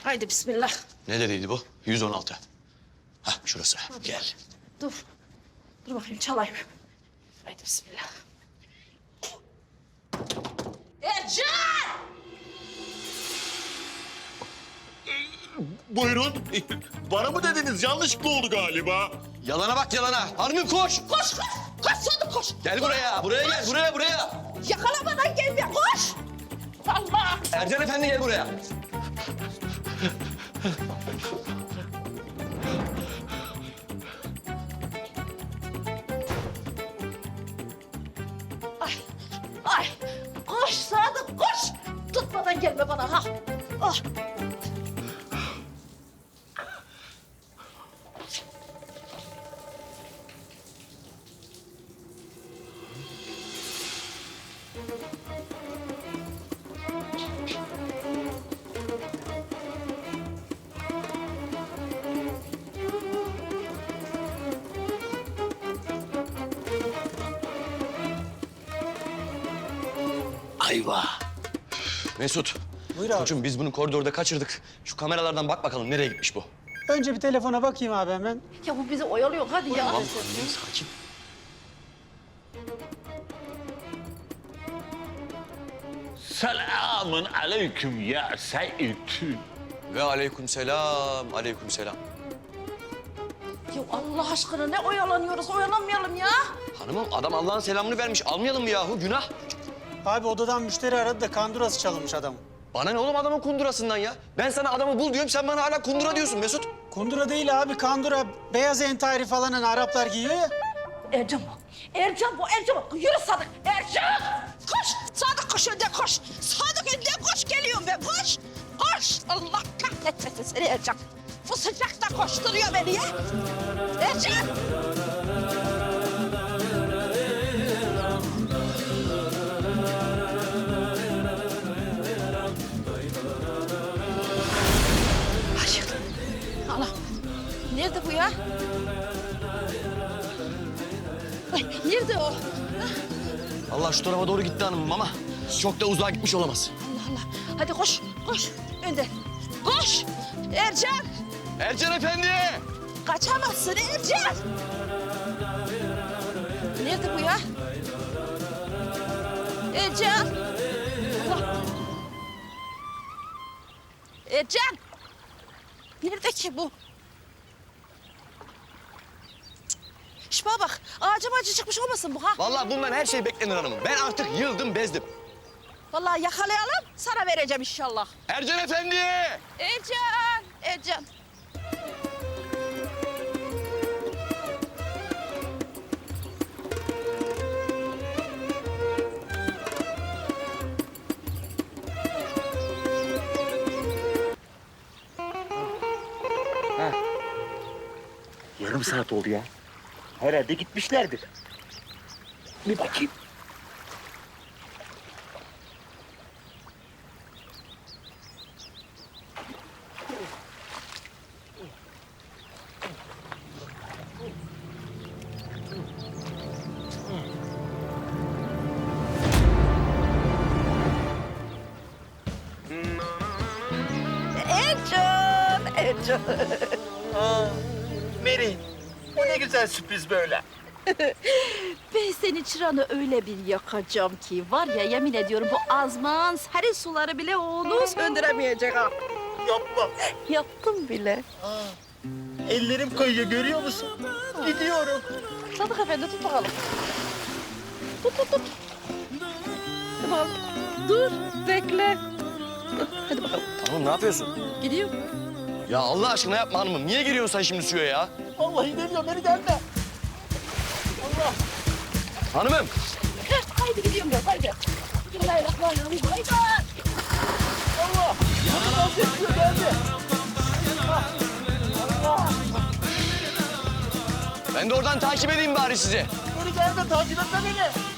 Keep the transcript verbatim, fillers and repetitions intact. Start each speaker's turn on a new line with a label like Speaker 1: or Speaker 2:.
Speaker 1: Haydi bismillah.
Speaker 2: Ne dediydi bu? yüz on altı. Hah şurası. Gel.
Speaker 1: Dur. Dur bakayım çalayım. Haydi bismillah. Ercan!
Speaker 3: Buyurun. Bana mı dediniz? Yanlışlıkla oldu galiba.
Speaker 2: Yalana bak yalana. Hanımım koş.
Speaker 1: Koş koş. Koş Sadık koş.
Speaker 2: Gel buraya. Buraya gel. Buraya buraya.
Speaker 1: Yakalamadan gelme koş. Allah.
Speaker 2: Ercan Efendi gel buraya.
Speaker 1: Ay. Ay. Koş Sadık koş. Tutmadan gelme bana ha. Ah.
Speaker 2: Ayva. Mesut.
Speaker 4: Buyur abi.
Speaker 2: Koçum biz bunu koridorda kaçırdık. Şu kameralardan bak bakalım nereye gitmiş bu.
Speaker 4: Önce bir telefona bakayım abi hemen.
Speaker 1: Ya bu bizi oyalıyor hadi ya.
Speaker 2: Tamam hanımım sakin.
Speaker 3: Selamun aleyküm ya Seyit.
Speaker 2: Ve aleyküm selam. Aleyküm selam.
Speaker 1: Ya Allah aşkına ne oyalanıyoruz oyalanmayalım ya.
Speaker 2: Hanımım adam Allah'ın selamını vermiş. Almayalım mı yahu? Günah.
Speaker 4: Abi odadan müşteri aradı da kandurası çalınmış adam.
Speaker 2: Bana ne oğlum adamın kundurasından ya? Ben sana adamı bul diyorum, sen bana hala kundura diyorsun Mesut.
Speaker 4: Kundura değil abi kandura. Beyaz entari falan hani Araplar giyiyor ya.
Speaker 1: Ercan bu. Ercan bu, Ercan bu. Yürü Sadık. Ercan! Koş! Sadık koş önden koş. Sadık önden koş. Geliyorum ben koş. Koş! Allah kahretmesin seni Ercan. Bu sıcakta koşturuyor beni ya. Ercan! Ay, Allah. Nerede bu ya? Ay, nerede o?
Speaker 2: Allah şu tarafa doğru gitti hanımım ama çok da uzağa gitmiş olamaz.
Speaker 1: Allah Allah. Hadi koş, koş. Önden. Koş! Ercan!
Speaker 2: Ercan Efendi!
Speaker 1: Kaçamazsın Ercan! Nerede bu ya? Ercan! Allah! Ercan! Nerede ki bu? Şş bana bak, ağaca macı çıkmış olmasın bu ha?
Speaker 2: Vallahi bundan her şey beklenir hanımım. Ben artık yıldım, bezdim.
Speaker 1: Vallahi yakalayalım, sana vereceğim inşallah.
Speaker 2: Ercan Efendi!
Speaker 1: Ercan! Ercan!
Speaker 3: Yarım saat oldu ya. Herhalde gitmişlerdir. Bir bakayım.
Speaker 1: Ercan! Ercan!
Speaker 3: Aa, Mary, bu ne güzel sürpriz böyle.
Speaker 1: Ben seni çıranı öyle bir yakacağım ki var ya yemin ediyorum bu azman serin suları bile onu söndüremeyecek ha.
Speaker 3: Yapma.
Speaker 1: Yaptım bile.
Speaker 3: Ellerim kayıyor, görüyor musun? Gidiyorum.
Speaker 1: Sadık Efendi tut bakalım. Tut tut tut. Hadi bakalım. Dur bekle. Hadi bakalım.
Speaker 2: Hanımım ne yapıyorsun?
Speaker 1: Gidiyor.
Speaker 2: Ya Allah aşkına yapma hanımım. Niye giriyorsun sen şimdi suya ya?
Speaker 3: Vallahi geliyor, beni gelme. Allah.
Speaker 2: Hanımım!
Speaker 1: Heh, haydi gidiyorum ben haydi. Bismillahirrahmanirrahim. Haydi.
Speaker 3: Allah. Yanımdan sesliyor, geldi. Allah.
Speaker 2: Ben de oradan takip edeyim bari sizi.
Speaker 3: Beni gelme, takip etme beni.